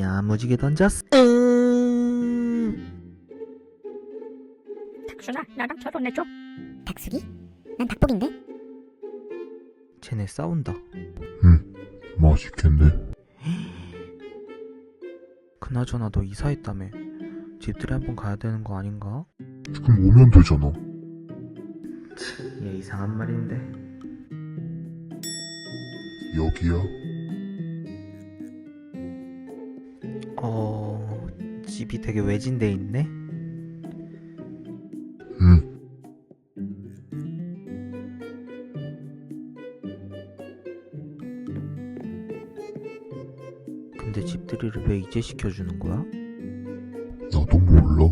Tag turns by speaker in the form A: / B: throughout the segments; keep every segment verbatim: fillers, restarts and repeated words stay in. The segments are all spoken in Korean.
A: 야무지게 던졌어. 음...
B: 닭순아, 나랑 결혼해줘. 닭숙이? 난 닭복인데?
A: 쟤네 싸운다.
C: 응, 맛있겠네.
A: 그나저나 너 이사했다며. 집들이 한번 가야 되는 거 아닌가?
C: 지금 오면 되잖아.
A: 얘 이상한 말인데.
C: 여기야?
A: 어... 집이 되게 외진데 있네?
C: 응.
A: 근데 집들이를 왜 이제 시켜주는 거야?
C: 나도 몰라.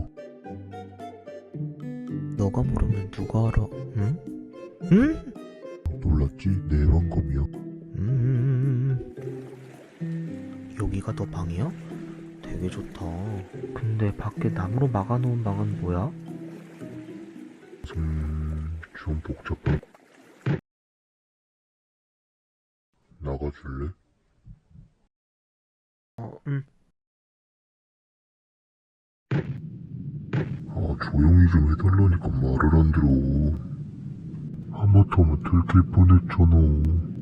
A: 너가 모르면 누가 알아? 응? 응?
C: 놀랐지? 내 방검이야.
A: 음... 여기가 너 방이야? 되게 좋다. 근데 밖에 나무로 막아놓은 방은 뭐야?
C: 음... 좀 복잡해. 나가줄래?
A: 어, 응.
C: 아, 조용히 좀 해달라니까 말을 안 들어. 하마터면 들킬 뻔했잖아.